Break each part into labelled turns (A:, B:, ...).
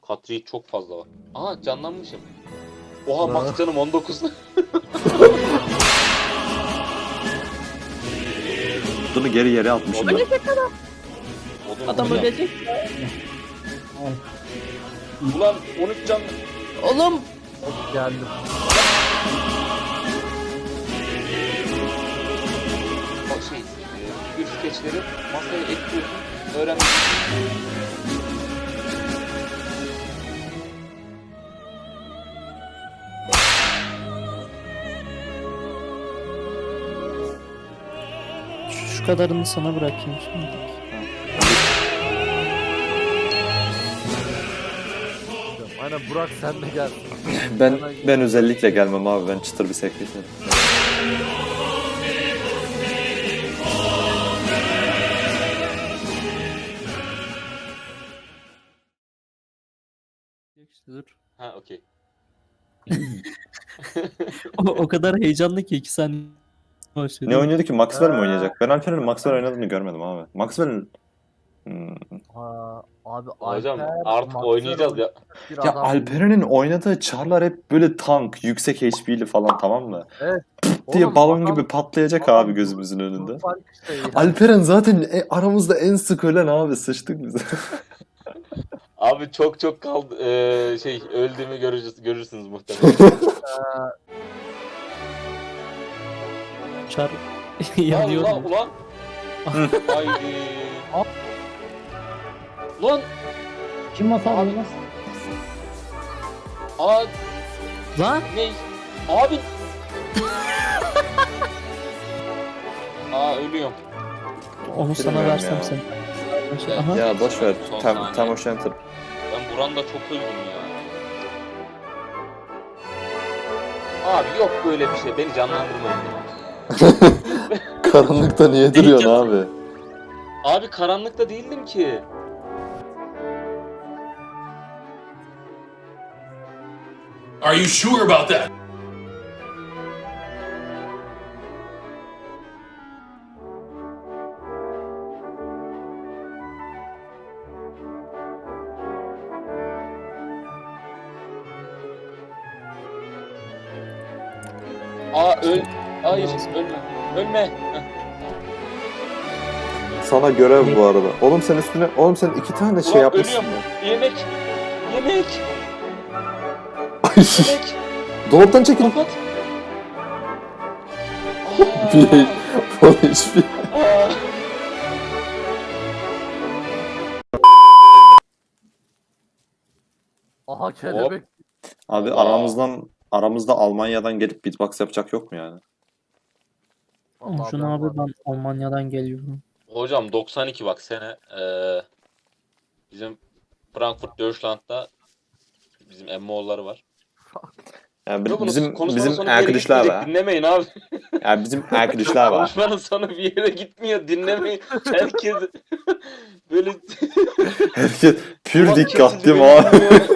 A: Katri çok fazla var. Aha canlanmışım. Oha max canım 19.
B: Bunu geri yere atmışım ben.
C: Adam ölecek.
A: Ulan 13 can.
C: Oğlum.
D: Geldim.
A: Bak figür skeçleri masaya ekliyorsun. Öğrenmek.
C: Şu kadarını sana bırakayım şimdi.
D: Aynen Burak sen de gel.
B: Ben özellikle gelmem abi. Ben çıtır bir sekreterim.
C: İşte dur.
A: Ha okey.
C: O kadar heyecanlı ki 2 saniye başladı.
B: Ne oynuyordu ki? Maxwell mi oynayacak? Ben Alper'in Maxwell oynadığını görmedim abi. Maxwell'in...
D: Ha, abi
A: Hocam
D: Alper,
A: artık
D: Maxwell
A: oynayacağız ya.
D: bir
B: Ya
D: adam.
B: Alperen'in oynadığı çarlar hep böyle tank, yüksek HP'li falan, tamam mı?
D: Evet.
B: Diye
D: Oğlum,
B: balon
D: adam-
B: gibi patlayacak
D: adam
B: abi gözümüzün önünde.
D: Fark işte yani.
B: Alperen zaten aramızda en sık ölen abi, sıçtık biz.
A: Abi çok kaldı. Öldüğümü görürsünüz muhtemelen.
C: Çar
A: Allah
C: yanıyor.
A: ulan. Haydi. Lan.
E: Kim masal
A: Abi.
E: oynamaz?
A: Aa
C: Lan
A: ne? Abi. Ölüyorum.
C: onu sana
B: Bilmiyorum
C: versem
B: ya.
C: sen. Aha.
B: Ya boş ver.
A: Son
B: Tam
A: saniye.
B: o Center.
A: Ben Buran'da çok öldüm ya. Abi yok böyle bir şey. Beni canlandırmayın.
B: Karanlıkta niye duruyorsun abi?
A: Abi karanlıkta değildim ki.
F: Are you sure about that?
A: Hayır ölme. Ölme.
B: Sana görev bu arada. Oğlum sen üstüne... Oğlum sen 2 tane şey
A: Ulan
B: yapmışsın.
A: ölüyorum. Yemek. Yemek.
B: Ay,
A: Yemek.
B: dolaptan çekil.
A: Kapat.
B: Bir... Bana hiçbir...
A: Aa.
D: Aha kelebek.
B: Abi
A: Allah.
B: aramızda Almanya'dan gelip beatbox yapacak yok mu yani?
D: Vallahi
C: Şunu
D: ben
C: abi
D: varım.
C: ben Almanya'dan geliyorum.
A: Hocam 92 bak sene bizim Frankfurt Deutschland'da bizim emmoğulları var.
B: Yani
A: Yok,
B: bizim
A: konuşmanın sonu bir yere
B: arkadaşlar
A: gitmeyecek,
B: var.
A: dinlemeyin abi.
B: Yani bizim arkadaşlar var.
A: Konuşmanın sonu bir yere gitmiyor, dinlemeyin. Herkes böyle
B: Herkes pür
A: kulak
B: dikkat
A: kesici
B: değil mi
A: böyle
B: abi?
A: dinliyor.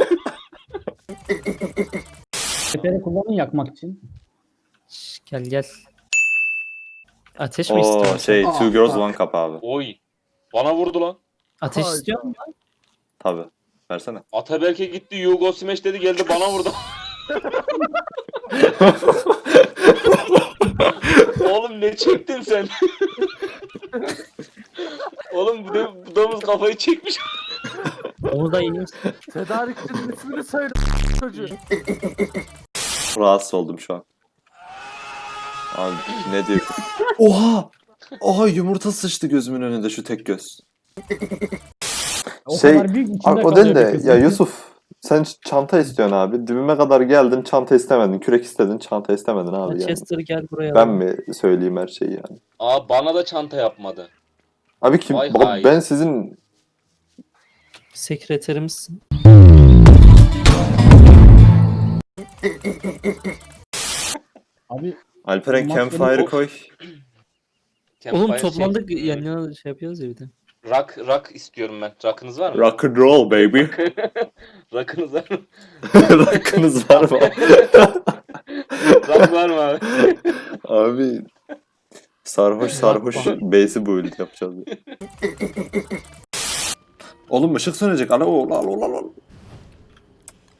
E: Seferi kullanın yakmak için.
C: Şş, gel. Ateş mi
B: Oo
C: istiyorsun?
B: şey Two Girls One Cup abi.
A: Oy. Bana vurdu lan.
C: Ateş
D: Ay,
C: istiyor musun?
B: Tabi. Versene.
A: Ataberk'e gitti, Yugo Smash dedi, geldi bana vurdu. Oğlum ne çektin sen? Oğlum bu domuz kafayı çekmiş.
C: Onu da yiyorsun.
D: Tedarikçinin ismini söyle çocuğu.
B: Rahatsız oldum şu an. Abi ne diyor? Oha! Oha yumurta sıçtı gözümün önünde şu tek göz.
E: O
B: Şey,
E: kadar büyük içinde
B: Abi, o
E: kalıyor
B: değil
E: bir
B: de
E: kız.
B: ya Yusuf sen çanta istiyorsun abi. Dibime kadar geldin çanta istemedin. Kürek istedin çanta istemedin abi yani.
C: Manchester gel buraya.
B: Ben mi söyleyeyim her şeyi yani?
A: Bana da çanta yapmadı.
B: Abi kim?
A: Vay
B: Baba,
A: hay.
B: ben sizin
C: Sekreterimizsin.
E: Abi
B: Alperen
E: Olmaz
B: Campfire'ı
E: benim-
B: koy.
C: Oğlum
A: Campfire
C: toplandık yan yana şey yapıyoruz ya bir de.
A: Rock istiyorum ben. Rock'ınız var mı?
B: Rock and roll baby.
A: Rock'ınız var mı?
B: Rock'ınız var mı?
A: Rock var mı abi?
B: Abi sarhoş bass'i build yapacağız. Oğlum ışık sönecek. Ana oğul al.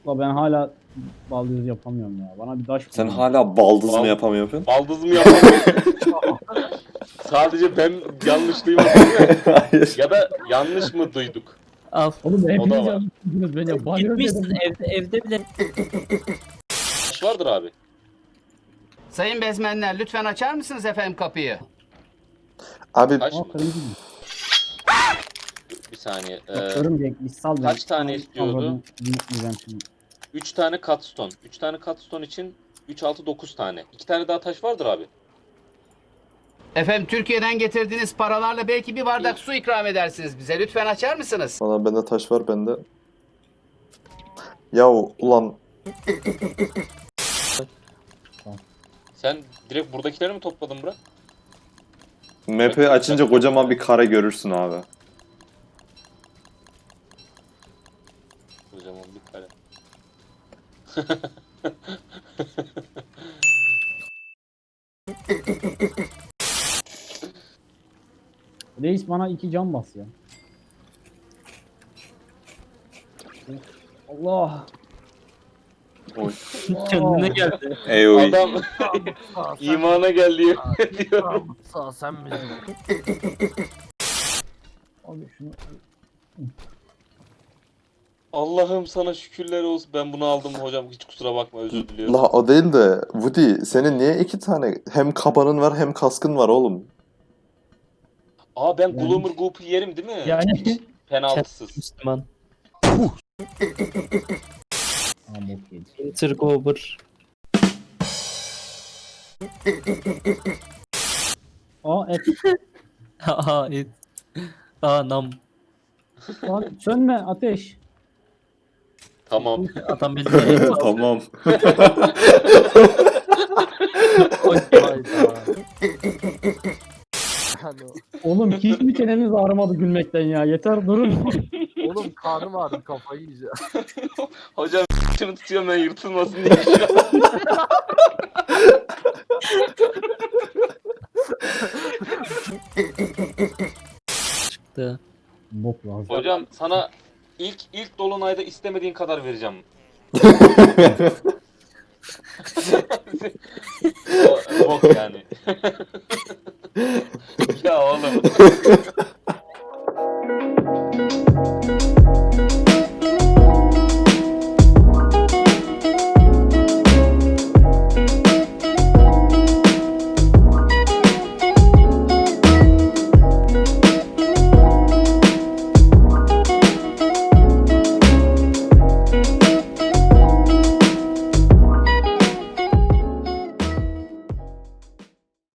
E: Da ben hala baldız yapamıyorum ya. Bana bir taş
B: Sen
E: bulun.
B: hala baldız mı
A: Bal-
B: yapamıyorsun?
A: Baldız mı yapamıyorum? Sadece ben yanlış duymadım değil mi?
B: Hayır.
A: Ya da yanlış mı duyduk?
C: Al.
E: Oğlum
A: O da
E: hepiniz
A: var.
E: yanlışsınız beni. Banyo
C: Gitmişsin
E: dedim.
C: evde bile.
A: Taş vardır abi.
G: Sayın bezmenler lütfen açar mısınız efendim kapıyı?
B: Abi
A: Taş
E: Aa
A: mı?
E: kırmızı mı?
A: Bir saniye.
E: Örümcek bir sal beni.
A: kaç tane istiyordu?
E: Allah'ım, unutmayacağım şimdi.
A: 3 tane cutstone. 3 tane cutstone için 3, 6, 9 tane. 2 tane daha taş vardır abi.
G: Efendim Türkiye'den getirdiğiniz paralarla belki bir bardak su ikram edersiniz bize. Lütfen açar mısınız?
B: valla bende taş var bende. Ya ulan
A: Sen direkt buradakileri mi topladın bırak?
B: map'i açınca kocaman bir kare görürsün abi.
A: Kocaman bir kare.
E: Reis bana 2 can bas ya. Allah.
B: Oy.
C: Kendine geldi.
B: Ey oy.
A: Adam
D: Sağ sen,
A: imana gel diyor. diyor.
D: sağ sen bizim.
E: Abi şunu
A: Allah'ım sana şükürler olsun. Ben bunu aldım hocam. Hiç kusura bakma, özür diliyorum.
B: La o değil de Woody senin niye 2 tane hem kabanın var hem kaskın var oğlum?
A: Aa ben
E: Yani-
A: Gloomer Goop'u yerim değil mi?
E: yani.
A: Penaltısız.
C: Müslüman.
E: Aa bok yedi.
C: Intergober.
E: Aa et.
C: Aha et. Anam.
E: Lan sönme ateş.
A: Tamam.
C: Adam beni de
B: Tamam.
D: Hayda. Yani,
E: Oğlum hiç mi çeneniz ağrımadı gülmekten ya? Yeter durun.
D: oğlum karnım ağrıdı kafayı yiyeceğim.
A: Hocam şunu tutuyorum ben yırtılmasın diye.
C: çıktı.
E: Bok lazım.
A: Hocam sana ilk dolunayda istemediğin kadar vereceğim. Bok yani. Ya oğlum.